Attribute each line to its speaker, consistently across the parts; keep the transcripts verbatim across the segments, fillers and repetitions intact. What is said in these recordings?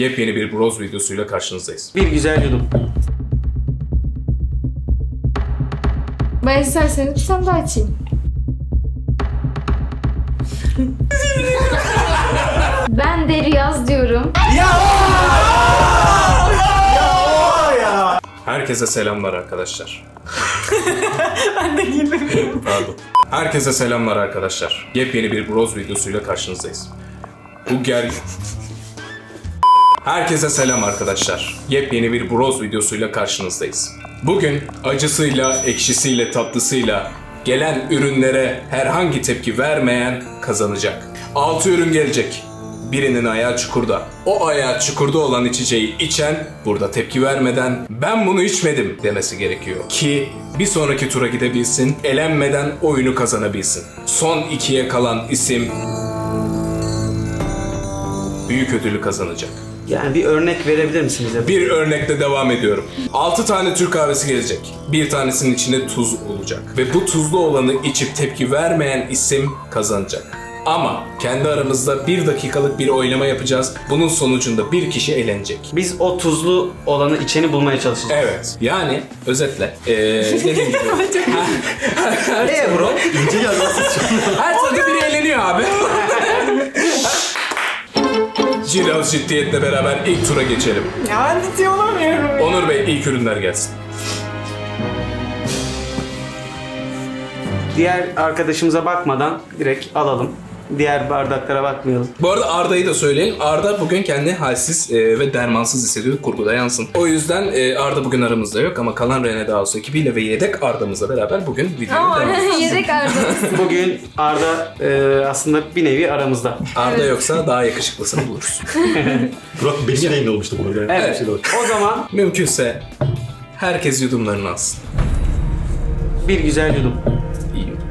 Speaker 1: Yepyeni bir Bros videosuyla karşınızdayız.
Speaker 2: Bir güzel yudum.
Speaker 3: Ben isterseniz bir tane daha açayım. Ben de Riyaz diyorum.
Speaker 1: Herkese selamlar arkadaşlar. Ben de girmemiyorum. Pardon. Herkese selamlar arkadaşlar. Yepyeni bir Bros videosuyla karşınızdayız. Bu ger... Herkese selam arkadaşlar. Yepyeni bir Bros videosuyla karşınızdayız. Bugün acısıyla, ekşisiyle, tatlısıyla gelen ürünlere herhangi tepki vermeyen kazanacak. altı ürün gelecek. Birinin ayağı çukurda. O ayağı çukurda olan içeceği içen burada tepki vermeden ben bunu içmedim demesi gerekiyor. Ki bir sonraki tura gidebilsin, elenmeden oyunu kazanabilsin. Son ikiye kalan isim büyük ödülü kazanacak.
Speaker 2: Yani bir örnek verebilir misiniz?
Speaker 1: Bir örnekle devam ediyorum. altı tane Türk kahvesi gelecek. Bir tanesinin içinde tuz olacak. Ve bu tuzlu olanı içip tepki vermeyen isim kazanacak. Ama kendi aramızda bir dakikalık bir oylama yapacağız. Bunun sonucunda bir kişi elenecek.
Speaker 2: Biz o tuzlu olanı içeni bulmaya çalışacağız.
Speaker 1: Evet. Yani özetle. Ee, dediğim gibi.
Speaker 2: Eee bro?
Speaker 4: İnce yazmasız
Speaker 1: Her turda biri eğleniyor abi. Biraz ciddiyetle beraber ilk tura geçelim.
Speaker 5: Ya ciddi olamıyorum.
Speaker 1: Onur Bey ilk ürünler gelsin.
Speaker 2: Diğer arkadaşımıza bakmadan direkt alalım. Diğer bardaklara bakmayalım.
Speaker 1: Bu arada Arda'yı da söyleyin. Arda bugün kendini halsiz e, ve dermansız hissediyor. Kurguda yansın. O yüzden e, Arda bugün aramızda yok ama kalan Rene Dağısı ekibiyle ve yedek Arda'mızla beraber bugün videoyu devam edeceğiz.
Speaker 3: Yedek ardımız.
Speaker 2: Bugün Arda e, aslında bir nevi aramızda.
Speaker 1: Arda yoksa daha yakışıklısını buluruz.
Speaker 4: Burak benim de yayında olmuştu bu arada.
Speaker 2: Evet.
Speaker 4: Bir şey de var.
Speaker 2: O zaman
Speaker 1: Mümkünse herkes yudumlarını alsın.
Speaker 2: bir güzel yudum.
Speaker 1: İyi yudum.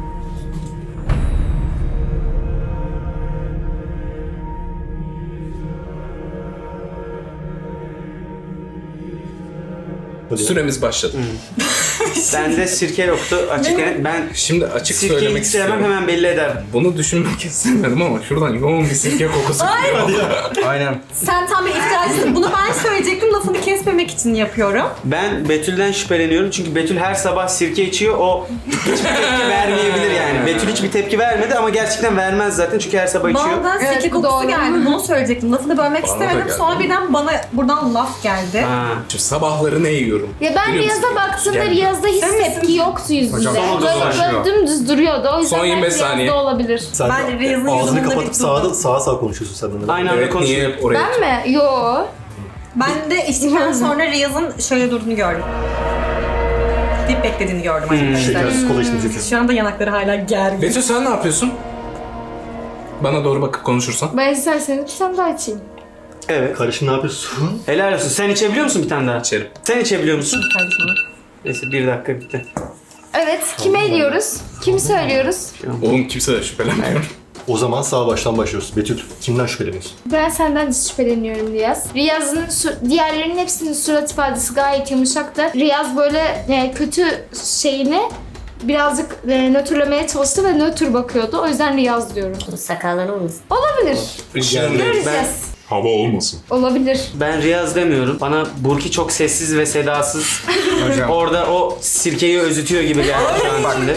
Speaker 4: Hadi.
Speaker 1: Süremiz başladı.
Speaker 2: Bende sirke yoktu. Açık yani ben
Speaker 1: Şimdi açık
Speaker 2: sirkeyi
Speaker 1: söylemek
Speaker 2: hiç sevmem,
Speaker 1: istiyorum.
Speaker 2: hemen belli ederim.
Speaker 1: Bunu düşünmek istemedim ama şuradan yoğun bir sirke kokusu geliyor.
Speaker 2: Aynen.
Speaker 5: Sen tam bir iftiracısın. Bunu ben söyleyecektim. Lafını kesmemek için yapıyorum.
Speaker 2: Ben Betül'den şüpheleniyorum çünkü Betül her sabah sirke içiyor. O hiçbir tepki vermeyebilir yani. Betül hiçbir tepki vermedi ama gerçekten vermez zaten çünkü her sabah içiyor.
Speaker 5: Bana
Speaker 3: Evet,
Speaker 5: sirke
Speaker 3: bu
Speaker 5: kokusu
Speaker 3: doğru.
Speaker 5: geldi. Bunu söyleyecektim. Lafını bölmek
Speaker 1: Bana da
Speaker 5: istemedim.
Speaker 1: geldi.
Speaker 5: Sonra birden bana buradan laf geldi.
Speaker 2: Ha.
Speaker 1: Şimdi sabahları ne yiyorum?
Speaker 3: Ya ben
Speaker 1: Biliyor musun?
Speaker 3: Riyaz'a baktığımda
Speaker 1: Geldi.
Speaker 3: Riyaz'da hiç
Speaker 5: Sen misin?
Speaker 3: tepki yoktu yüzünde.
Speaker 2: Hocam, son
Speaker 3: Böyle,
Speaker 2: dolaşıyor.
Speaker 3: böyle dümdüz duruyordu. O yüzden
Speaker 1: Son yirmi beş
Speaker 3: belki
Speaker 1: saniye.
Speaker 3: Riyaz'da olabilir.
Speaker 4: Sen
Speaker 5: Ben Riyaz'ın
Speaker 4: ağzını
Speaker 5: yüzünde
Speaker 4: kapatıp
Speaker 5: bir
Speaker 4: sağda,
Speaker 5: durdum.
Speaker 4: sağa sağa konuşuyorsun sen de.
Speaker 2: Aynı anda
Speaker 1: Evet,
Speaker 2: konuşuyor.
Speaker 1: niye oraya?
Speaker 3: Ben mi? Yo.
Speaker 5: Ben de içtikten sonra Riyaz'ın şöyle durduğunu gördüm. Dip beklediğini gördüm arkadaşlar.
Speaker 4: Şekersiz kola içtim zaten.
Speaker 5: Şu anda yanakları hala gergin.
Speaker 1: Betül sen ne yapıyorsun? Bana doğru bakıp konuşursan.
Speaker 3: Ben isterseniz bir tane daha açayım.
Speaker 2: Evet.
Speaker 4: Karışım ne yapıyorsun?
Speaker 2: Helal olsun. Sen içebiliyor musun bir tane daha?
Speaker 1: İçerim.
Speaker 2: Sen içebiliyor musun?
Speaker 5: Kardeşim.
Speaker 2: Neyse bir dakika bitti.
Speaker 3: Evet, kime ediyoruz? Kimi söylüyoruz?
Speaker 1: Oğlum kimse de şüphelenmiyor.
Speaker 4: O zaman sağ baştan başlıyoruz. Betül kimden şüpheleniyorsun?
Speaker 3: Ben senden de şüpheleniyorum Riyaz. Riyaz'ın su- diğerlerinin hepsinin surat ifadesi gayet yumuşaktı. Riyaz böyle e, kötü şeyini birazcık e, nötrlemeye çalıştı ve nötr bakıyordu. O yüzden Riyaz diyorum.
Speaker 6: Sakallanır mısın?
Speaker 3: Olabilir.
Speaker 1: Yani
Speaker 3: Göreceğiz.
Speaker 1: hava olmasın.
Speaker 3: Olabilir.
Speaker 2: Ben Riyaz demiyorum. Bana Burki çok sessiz ve sedasız. Orada o sirkeyi özütüyor gibi geldi şu an şimdi.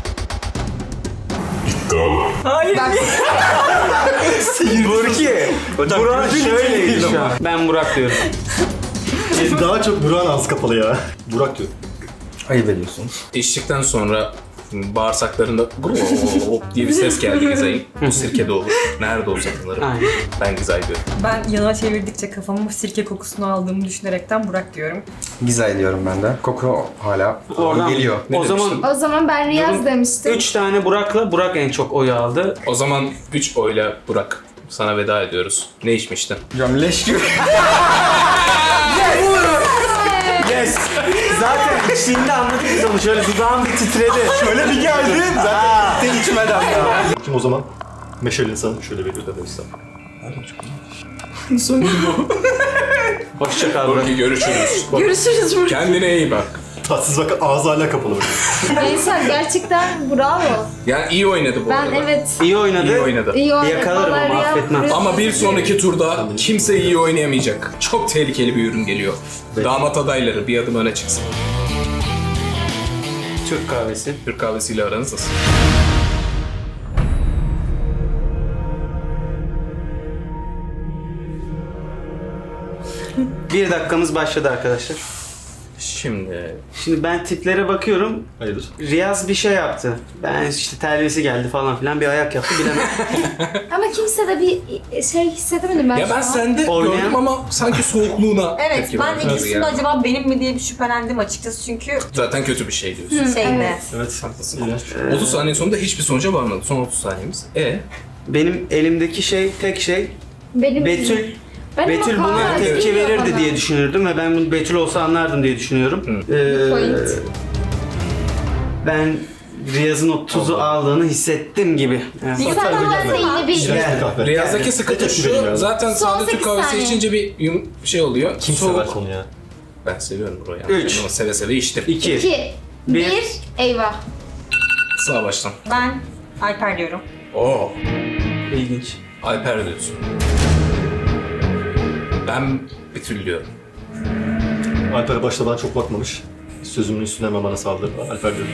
Speaker 2: Burki. Burak şöyleydi şu an. Ben Burak diyorum.
Speaker 4: Daha çok Burak'ın ağzı kapalı ya. Burak diyor.
Speaker 7: Ayıp ediyorsunuz.
Speaker 1: İçtikten sonra bağırsaklarında hop diye bir ses geldi Gizay'ın. Bu sirke de olur. Nerede o satılır?
Speaker 2: Aynen.
Speaker 1: Ben Gizay diyorum.
Speaker 5: Ben yana çevirdikçe kafamı sirke kokusunu aldığımı düşünerekten Burak diyorum.
Speaker 7: Güzel diyorum ben de. Koku hala
Speaker 2: Oradan
Speaker 7: geliyor.
Speaker 1: Ne
Speaker 2: o zaman
Speaker 1: demiştin?
Speaker 3: O zaman ben Riyaz demiştim.
Speaker 2: üç tane Burak'la Burak en çok oyu aldı.
Speaker 1: O zaman üç oyla Burak sana veda ediyoruz. Ne içmiştin?
Speaker 7: Hocam leş gibi.
Speaker 2: Yes! Zaten içtiğinde anladık biz onu. Şöyle dudağım bir titredi.
Speaker 4: Şöyle bir geldi. Zaten tek içmeden ya. Kim o zaman? Meşal insanı şöyle veriyor da işte.
Speaker 1: Sonunda bu.
Speaker 2: Hoşça kal Burak.
Speaker 1: Görüşürüz.
Speaker 3: Görüşürüz burada.
Speaker 1: Kendine iyi bak.
Speaker 4: Tatsız bak ağzı hala kapalı. böyle.
Speaker 3: Veysel gerçekten bravo.
Speaker 1: Yani iyi oynadı bu
Speaker 3: Ben
Speaker 1: arada.
Speaker 3: evet
Speaker 2: İyi oynadı.
Speaker 1: İyi oynadı.
Speaker 3: iyi oynadım.
Speaker 2: Yakalarım
Speaker 3: Vallahi
Speaker 2: ama
Speaker 3: Riyaz
Speaker 2: affetmem.
Speaker 3: buraya-
Speaker 1: Ama bir sonraki turda kimse iyi oynayamayacak. Çok tehlikeli bir ürün geliyor. Damat adayları bir adım öne çıksın.
Speaker 2: Türk kahvesi.
Speaker 1: Türk kahvesiyle aranız nasıl?
Speaker 2: Bir dakikamız başladı arkadaşlar.
Speaker 1: Şimdi
Speaker 2: Şimdi ben tiplere bakıyorum.
Speaker 4: Hayırdır?
Speaker 2: Riyaz bir şey yaptı. Ben işte terbiyesi geldi falan filan bir ayak yaptı bilemem.
Speaker 3: Ama kimse de bir şey hissedemedim ben
Speaker 1: ya
Speaker 3: şu
Speaker 1: ben
Speaker 3: an.
Speaker 1: sende
Speaker 2: Oynayan-
Speaker 1: gördüm ama sanki soğukluğuna
Speaker 5: Evet
Speaker 1: tepki
Speaker 5: ben
Speaker 1: verdim
Speaker 5: ikisinde
Speaker 1: yani.
Speaker 5: acaba benim mi diye bir şüphelendim açıkçası çünkü
Speaker 1: Zaten kötü bir şey diyorsun.
Speaker 5: şeyde.
Speaker 3: Evet.
Speaker 4: Evet.
Speaker 1: Haklısın.
Speaker 4: İğrenç.
Speaker 1: otuz saniye sonunda hiçbir sonuca varmadı. Son otuz saniyemiz. E
Speaker 2: Benim elimdeki şey tek şey
Speaker 3: Benim
Speaker 2: Betül.
Speaker 3: Benim
Speaker 2: Betül
Speaker 3: o
Speaker 2: buna
Speaker 3: kahve
Speaker 2: tepki
Speaker 3: geliyor
Speaker 2: verirdi
Speaker 3: bana.
Speaker 2: diye düşünürdüm ve ben bunu Betül olsa anlardım diye düşünüyorum. Ee,
Speaker 3: Point.
Speaker 2: ben Riyaz'ın o tuzu aldığını hissettim gibi. Evet.
Speaker 3: Sen
Speaker 4: Zaten
Speaker 3: ama
Speaker 4: güzel.
Speaker 3: yine bir
Speaker 4: İğrenç bir kahve.
Speaker 1: Riyazdaki sıkıntı
Speaker 4: Tepki veriyorum
Speaker 1: şu,
Speaker 4: yani.
Speaker 1: zaten
Speaker 3: Son
Speaker 1: sade Türk
Speaker 3: sekiz
Speaker 1: kahvesi
Speaker 3: saniye.
Speaker 1: içince bir yum şey oluyor.
Speaker 4: Kim
Speaker 1: Soğuk.
Speaker 4: sever konu ya?
Speaker 1: Ben seviyorum burayı.
Speaker 2: Üç.
Speaker 1: Ama seve seve içtim.
Speaker 2: İki.
Speaker 3: iki,
Speaker 2: Bir.
Speaker 3: bir, eyvah.
Speaker 1: Sağ baştan.
Speaker 5: Ben Alper diyorum.
Speaker 1: Oo.
Speaker 2: İlginç.
Speaker 1: Alper diyorsun. Ben Betül diyorum.
Speaker 4: Alper'e başta ben çok bakmamış. Sözümün üstüne hemen bana saldırdı. Alper diyorum.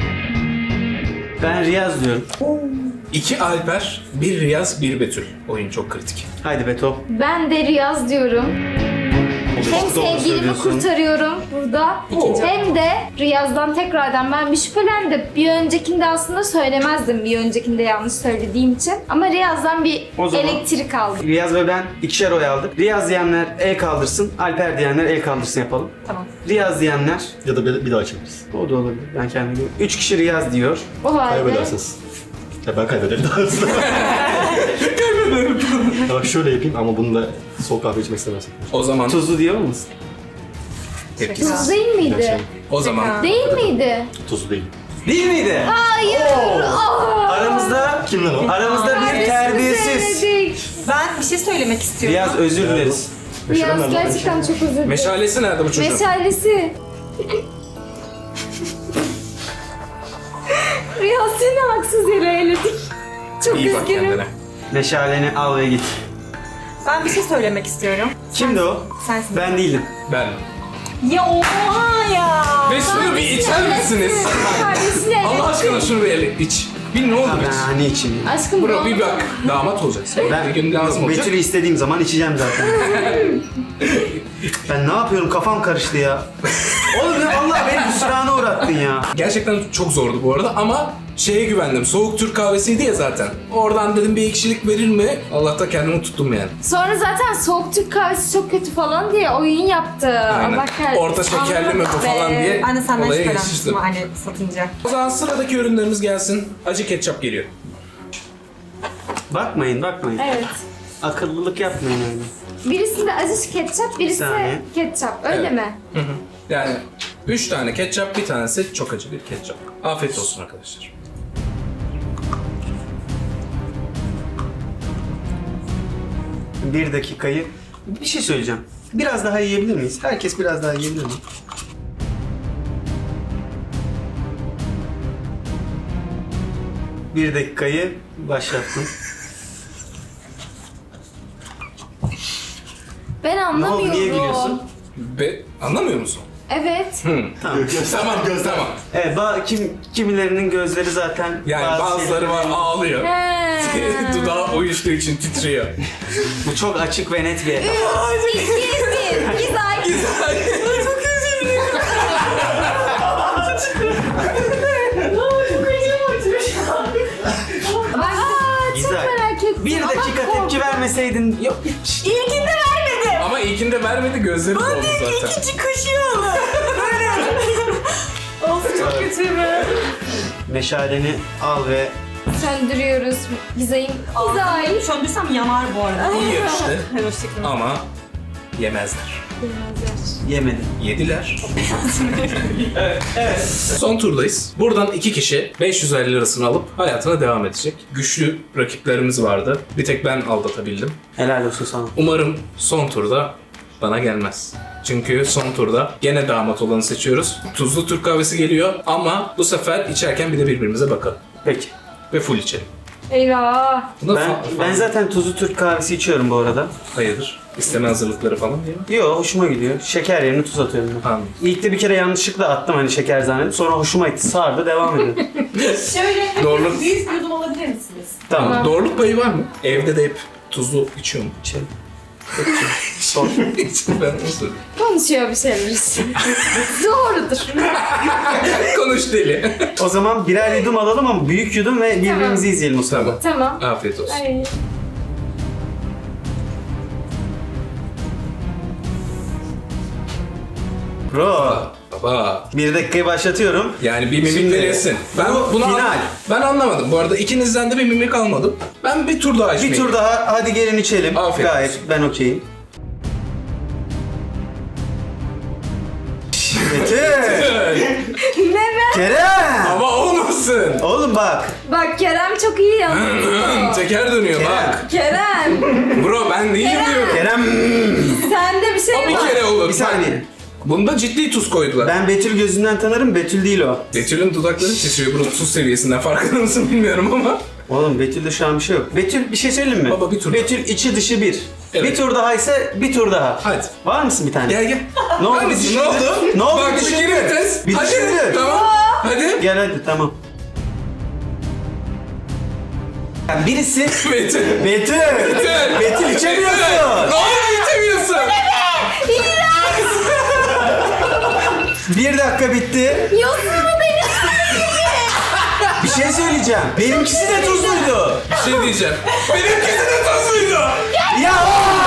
Speaker 2: Ben Riyaz diyorum.
Speaker 1: İki Alper, bir Riyaz, bir Betül. Oyun çok kritik.
Speaker 2: Haydi Beto.
Speaker 3: Ben de Riyaz diyorum. Hem
Speaker 2: Çok doğru
Speaker 3: sevgilimi
Speaker 2: söylüyorsun.
Speaker 3: kurtarıyorum burada. Hem de Riyaz'dan tekrardan ben bir şüphelendim. Bir öncekinde aslında söylemezdim. Bir öncekinde yanlış söylediğim için. Ama Riyaz'dan bir
Speaker 2: O zaman-
Speaker 3: elektrik aldım.
Speaker 2: Riyaz ve ben ikişer oy aldık. Riyaz diyenler el kaldırsın, Alper diyenler el kaldırsın yapalım.
Speaker 5: Tamam.
Speaker 2: Riyaz diyenler,
Speaker 4: Ya da bir, bir daha çeviririz.
Speaker 2: o da olabilir. Ben kendim gibi. Üç kişi Riyaz diyor.
Speaker 3: O halde
Speaker 4: Kaybedersiniz. Ya ben kaybederim daha hızlı. Kaybederim. Ya bak şöyle yapayım ama bunu da soğuk kahve içmek istemezsin.
Speaker 1: O zaman
Speaker 2: Tuzlu diyor musun?
Speaker 1: tepkisiz.
Speaker 3: tuz değil miydi?
Speaker 1: O zaman
Speaker 3: Değil miydi?
Speaker 4: Tuzlu değil.
Speaker 2: Değil miydi?
Speaker 3: Hayır. Aa!
Speaker 2: Aramızda
Speaker 4: Kim lan o?
Speaker 2: aramızda bir terbiyesiz.
Speaker 3: Söyledik.
Speaker 5: Ben bir şey söylemek istiyorum.
Speaker 2: Riyaz özür dileriz.
Speaker 3: Riyaz gerçekten çok özür dilerim.
Speaker 1: meşalesi nerede bu çocuğun?
Speaker 3: Meşalesi. Riyaz seni haksız yere eledik. Çok
Speaker 1: İyi bak
Speaker 3: üzgünüm.
Speaker 1: kendine.
Speaker 2: Meşaleni al ve git.
Speaker 5: Ben bir şey söylemek istiyorum.
Speaker 2: Kimdi o?
Speaker 5: Sensin.
Speaker 2: Ben değildim.
Speaker 1: Ben.
Speaker 5: Ya oha ya.
Speaker 1: Ve şunu bir içer misiniz?
Speaker 3: Kardeşine
Speaker 1: Allah aşkına şunu bir ele iç. Bir ne olur iç.
Speaker 2: Ben hani için?
Speaker 3: Aşkım
Speaker 1: Bro
Speaker 3: bu.
Speaker 1: bir bak. Damat olacaksın.
Speaker 2: Ben
Speaker 1: Bir gün lazım olacak.
Speaker 2: Betül'ü istediğim zaman içeceğim zaten. Ben ne yapıyorum? Kafam karıştı ya. Oğlum ya Allah beni hüsrana uğrattın ya.
Speaker 1: Gerçekten çok zordu bu arada ama şeye güvendim. Soğuk Türk kahvesiydi ya zaten. Oradan dedim bir ekşilik verir mi? Allah'ta kendimi tuttum yani.
Speaker 3: Sonra zaten soğuk Türk kahvesi çok kötü falan diye oyun yaptı.
Speaker 1: Aynen.
Speaker 3: Allah kahretsin.
Speaker 1: Orta şekerli mi bu falan diye
Speaker 5: Ben de senden
Speaker 1: olaya
Speaker 5: şüphelenmiştim
Speaker 1: geçiştim.
Speaker 5: hani satınca.
Speaker 1: O zaman sıradaki ürünlerimiz gelsin. Acı ketçap geliyor.
Speaker 2: Bakmayın bakmayın.
Speaker 3: Evet.
Speaker 2: Akıllılık yapmayın öyle.
Speaker 3: Birisinde acı ketçap, birisi
Speaker 2: saniye.
Speaker 3: ketçap. Öyle
Speaker 1: Evet.
Speaker 3: mi?
Speaker 1: Yani üç tane ketçap, bir tanesi çok acı bir ketçap. Afiyet olsun arkadaşlar.
Speaker 2: Bir dakikayı... Bir şey söyleyeceğim. Biraz daha yiyebilir miyiz? Herkes biraz daha yiyebilir mi? Bir dakikayı başlattım.
Speaker 3: Ben
Speaker 2: Ne
Speaker 3: anlamıyorum.
Speaker 2: oldu? Niye gülüyorsun?
Speaker 1: Be anlamıyor musun?
Speaker 3: Evet.
Speaker 2: Tamam.
Speaker 1: tamam, tamam.
Speaker 2: Evet, ba- kim, kimilerinin gözleri zaten...
Speaker 1: Yani bazıları var ağlıyor.
Speaker 3: He.
Speaker 1: Dudağı uyuştuğu için titriyor.
Speaker 2: Bu çok açık ve net bir...
Speaker 3: İki, bir. Güzel. Aa, çok
Speaker 2: Güzel.
Speaker 3: merak ettim.
Speaker 2: Bir
Speaker 3: Ama
Speaker 2: dakika
Speaker 3: korktum.
Speaker 2: tepki vermeseydin... Yok.
Speaker 5: İlkinde vermedim.
Speaker 1: Ama ilkinde vermedi, gözleri doldu zaten.
Speaker 5: İkinci kaşığı Böyle. Of çok kötü mü?
Speaker 2: Meşaleni al ve...
Speaker 3: Söndürüyoruz. Gizay'ın. Gizay.
Speaker 5: Söndürsem yanar bu arada.
Speaker 1: İyi yarıştı
Speaker 5: Hoşçakalın.
Speaker 1: ama yemezler.
Speaker 2: Yemedim.
Speaker 1: Yediler. evet. Son turdayız. Buradan iki kişi beş yüz elli lirasını alıp hayatına devam edecek. Güçlü rakiplerimiz vardı. Bir tek ben aldatabildim.
Speaker 2: Helal olsun sana.
Speaker 1: Umarım son turda bana gelmez. Çünkü son turda gene damat olanı seçiyoruz. Tuzlu Türk kahvesi geliyor ama bu sefer içerken bir de birbirimize bakalım.
Speaker 2: Peki.
Speaker 1: Ve full içelim.
Speaker 3: Eyvah.
Speaker 1: Buna
Speaker 2: Ben,
Speaker 1: fa-
Speaker 2: ben zaten tuzlu Türk kahvesi içiyorum bu arada.
Speaker 1: Hayırdır? İsteme hazırlıkları falan değil mi?
Speaker 2: Yo, hoşuma gidiyor. Şeker yerine tuz atıyorum ben.
Speaker 1: Anladım.
Speaker 2: İlk de bir kere yanlışlıkla attım hani şeker zannedip. Sonra hoşuma gitti. Sardı, devam ediyor.
Speaker 5: Şöyle
Speaker 1: Doğru.
Speaker 5: büyük yudum alabilir misiniz?
Speaker 2: Tamam.
Speaker 1: Doğruluk payı var mı? Evde de hep tuzlu içiyor mu?
Speaker 2: İçelim. Sor.
Speaker 1: ben onu soruyorum.
Speaker 3: Konuşuyor bir şeyler. Doğrudur.
Speaker 1: Konuş deli.
Speaker 2: O zaman birer yudum alalım ama büyük yudum ve birbirimizi izleyelim o sırada.
Speaker 1: Tamam.
Speaker 3: Tamam.
Speaker 1: Afiyet olsun.
Speaker 3: Ay.
Speaker 2: Bro.
Speaker 1: Baba.
Speaker 2: Bir dakikayı başlatıyorum.
Speaker 1: Yani bir mimik
Speaker 2: Şimdi,
Speaker 1: verirsin. Ben
Speaker 2: bu
Speaker 1: bunu
Speaker 2: final.
Speaker 1: an- ben anlamadım. Bu arada ikinizden de bir mimik almadım. Ben bir tur daha içmeyeyim.
Speaker 2: Bir tur daha, hadi gelin içelim.
Speaker 1: Afiyet
Speaker 2: Gayet
Speaker 1: olsun.
Speaker 2: ben okeyim. Betül.
Speaker 3: Ne be?
Speaker 2: Kerem.
Speaker 1: Ama olmasın.
Speaker 2: Oğlum bak.
Speaker 3: Bak Kerem çok iyi yalnız.
Speaker 1: Teker dönüyor
Speaker 2: Kerem.
Speaker 1: bak.
Speaker 3: Kerem.
Speaker 1: Bro ben değilim diyorum.
Speaker 2: Kerem.
Speaker 3: Sende bir şey
Speaker 1: O bir
Speaker 3: var.
Speaker 1: kere olur.
Speaker 2: Bir saniye.
Speaker 1: Bunda ciddi tuz koydular.
Speaker 2: Ben Betül gözünden tanırım, Betül değil o.
Speaker 1: Betül'ün dudakları titriyor. Bunun tuz seviyesinden farkında mısın bilmiyorum ama.
Speaker 2: Oğlum Betül'de şu an bir şey yok. Betül bir şey söyleyeyim mi?
Speaker 1: Baba, bir tur
Speaker 2: Betül içi dışı bir.
Speaker 1: Evet.
Speaker 2: Bir tur daha ise bir tur daha.
Speaker 1: Hadi.
Speaker 2: Var mısın bir tane?
Speaker 1: Gel gel.
Speaker 2: Ne oldu?
Speaker 1: Hadi,
Speaker 2: Düşündü.
Speaker 1: ne oldu?
Speaker 2: Ne oldu?
Speaker 1: Bak
Speaker 2: Düşündü.
Speaker 1: bir kere vites.
Speaker 2: Bir
Speaker 1: Hadi.
Speaker 2: düşündü.
Speaker 1: Tamam. Hadi.
Speaker 2: Gel hadi tamam. Yani birisi
Speaker 1: Betül.
Speaker 2: Betül.
Speaker 1: Betül.
Speaker 2: Betül içemiyorsun.
Speaker 1: Ne oldu içemiyorsun?
Speaker 2: Bir dakika bitti.
Speaker 3: Yosunlu deniz.
Speaker 2: Bir şey söyleyeceğim. Benimkisi de tuzluydu.
Speaker 1: Bir şey diyeceğim. Benimkisi de tuzluydu.
Speaker 2: Ya o!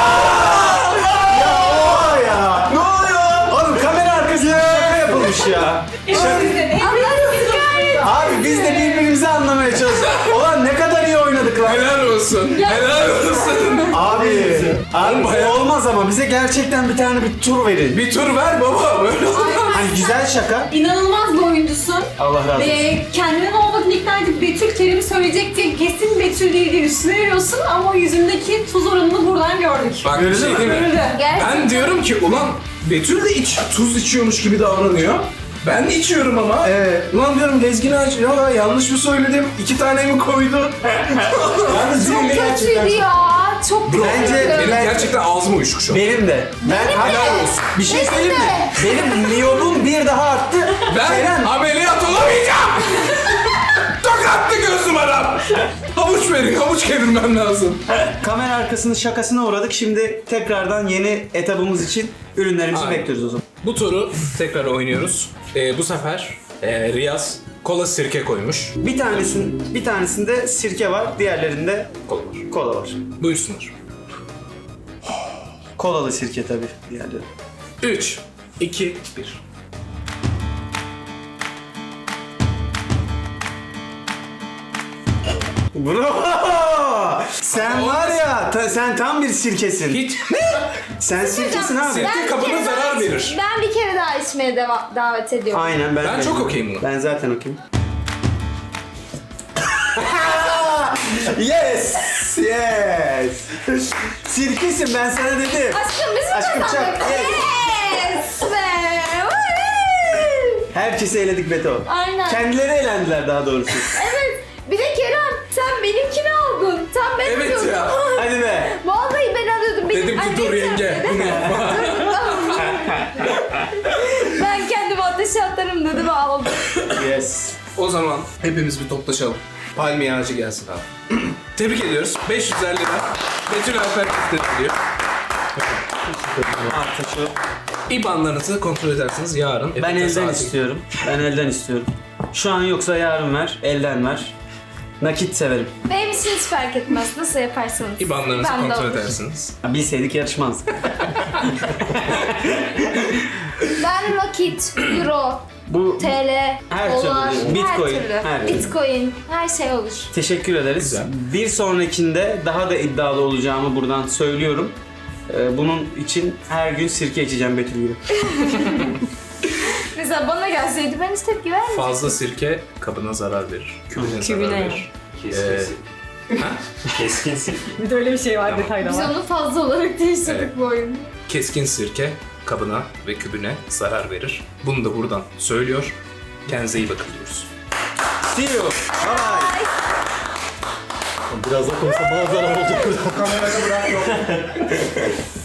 Speaker 2: Ya o ya! Ne oluyor? Oğlum kamera arkasında şaka yapılmış ya. Şaka.
Speaker 3: Allah'ım kahretsin.
Speaker 2: Abi biz de birbirimizi anlamaya çalışıyoruz. Ulan ne kadar iyi oynadık lan.
Speaker 1: Helal olsun. Helal olsun.
Speaker 2: Abi, abi
Speaker 1: bayağı-
Speaker 2: olmaz ama bize gerçekten bir tane bir tur verin.
Speaker 1: Bir tur ver baba. Böyle olur.
Speaker 2: Hani güzel şaka.
Speaker 5: İnanılmaz bir oyuncusun.
Speaker 2: Allah razı olsun.
Speaker 5: Ve kendinden olmadığını ikna edip Betül Kerem'i söyleyecek diye kesin Betül değil diye üstüne veriyorsun ama o yüzündeki tuz oranını buradan gördük.
Speaker 1: Bak bir şey değil mi?
Speaker 5: Görüldü.
Speaker 3: Gerçekten.
Speaker 1: Ben diyorum ki ulan Betül de iç, tuz içiyormuş gibi davranıyor. Ben de içiyorum ama.
Speaker 2: Evet.
Speaker 1: Ulan diyorum Lezgin'i aç. Ya yanlış mı söyledim? İki tane mi koydu?
Speaker 2: Yalnız
Speaker 3: Çok
Speaker 2: benim de gerçekten-
Speaker 3: kötüydü ya. Çok kötü.
Speaker 2: Bence-
Speaker 1: Benim
Speaker 2: Ben-
Speaker 1: gerçekten ağzım uyuşuk şu an.
Speaker 2: Benim de. Ben helal olsun. Bir şey
Speaker 3: Benim
Speaker 2: söyleyeyim mi?
Speaker 3: de.
Speaker 2: Benim miyobum bir daha arttı.
Speaker 1: Ben
Speaker 2: Kerem.
Speaker 1: ameliyat olamayacağım. Tokattı göz numaram. Havuç verin, havuç kevirmem lazım.
Speaker 2: Kamera arkasının şakasına uğradık. Şimdi tekrardan yeni etabımız için ürünlerimizi
Speaker 1: Aynen.
Speaker 2: bekliyoruz o zaman.
Speaker 1: Bu turu tekrar oynuyoruz. Ee, bu sefer e, Riyaz kola sirke koymuş.
Speaker 2: Bir tanesin, bir tanesinde sirke var, diğerlerinde
Speaker 1: Kola var.
Speaker 2: kola var.
Speaker 1: Buyursunlar.
Speaker 2: Kolalı sirke tabii diğerleri.
Speaker 1: üç, iki, bir.
Speaker 2: Bravo! Sen var ya, ta- sen tam bir sirkesin.
Speaker 1: Hiç.
Speaker 2: Sen sirkesin abi.
Speaker 1: Sirke
Speaker 3: Ben bir
Speaker 1: kabına
Speaker 3: kere daha
Speaker 1: zarar
Speaker 3: iç-
Speaker 1: verir.
Speaker 3: Ben bir kere daha içmeye deva- davet ediyorum.
Speaker 2: Aynen ben.
Speaker 1: Ben
Speaker 2: de.
Speaker 1: çok okeyim buna.
Speaker 2: Ben zaten okeyim. Yes! Yes! Sirkesin ben sana dedim.
Speaker 3: Aşkım biz mi
Speaker 2: Aşkım çak,
Speaker 3: kazandık?
Speaker 2: yes.
Speaker 3: Yes be! Woo!
Speaker 2: Herkesi eledik Beto.
Speaker 3: Aynen.
Speaker 2: Kendileri eğlendiler daha doğrusu.
Speaker 3: Evet. Bir de Kerem sen benimkini aldın. Sen ben
Speaker 1: Evet
Speaker 3: alıyordum.
Speaker 1: ya.
Speaker 2: Hadi be.
Speaker 3: Vallahi ben alıyordum. Benim
Speaker 1: Dedim ki dur
Speaker 3: annem
Speaker 1: yenge
Speaker 3: yaptı.
Speaker 1: bunu yapma.
Speaker 3: Ben kendimi ateşe atarım dedim aldım.
Speaker 2: Yes.
Speaker 1: O zaman hepimiz bir toplaşalım. Palmiye ağacı gelsin abi. Tebrik ediyoruz. beş yüz elli lira. Betül Alper ediyor.
Speaker 2: Artı şu.
Speaker 1: İ B A N'larınızı kontrol edersiniz yarın.
Speaker 2: Ben
Speaker 1: Efekte
Speaker 2: elden
Speaker 1: saati-
Speaker 2: istiyorum. Ben elden istiyorum. Şu an yoksa yarın ver. Elden ver. Nakit severim.
Speaker 3: Benim için hiç fark etmez. Nasıl yaparsanız.
Speaker 1: İ B A N'larınızı
Speaker 3: Ben de
Speaker 1: kontrol
Speaker 3: olur.
Speaker 1: edersiniz.
Speaker 2: Ya bilseydik yarışmazdık.
Speaker 3: Ben nakit, euro,
Speaker 2: Bu
Speaker 3: T L,
Speaker 2: Her
Speaker 3: dolar,
Speaker 2: türlü. Bitcoin,
Speaker 3: her türlü.
Speaker 2: her türlü.
Speaker 3: Bitcoin, her şey olur.
Speaker 2: teşekkür ederiz.
Speaker 1: Güzel.
Speaker 2: Bir sonrakinde daha da iddialı olacağımı buradan söylüyorum. Ee, bunun için her gün sirke içeceğim Betül gibi.
Speaker 3: Mesela bana gelseydi ben hiç tepki vermeyecektim.
Speaker 1: Fazla sirke kabına zarar verir. Kübüne zarar
Speaker 5: Kübüne.
Speaker 1: verir. Ee,
Speaker 4: Keskin sirke.
Speaker 5: Bir de öyle bir şey var
Speaker 1: Tamam.
Speaker 5: detayda
Speaker 3: Biz
Speaker 5: var.
Speaker 3: onu fazla olarak değiştirdik
Speaker 1: Evet.
Speaker 3: bu oyunda.
Speaker 1: keskin sirke kabına ve kübüne zarar verir. Bunu da buradan söylüyor. Kendinize iyi bakın diyoruz.
Speaker 2: See you. Bye.
Speaker 4: Biraz daha konuşsam bana zarar olacak burada.
Speaker 7: Kamerada bırak yok.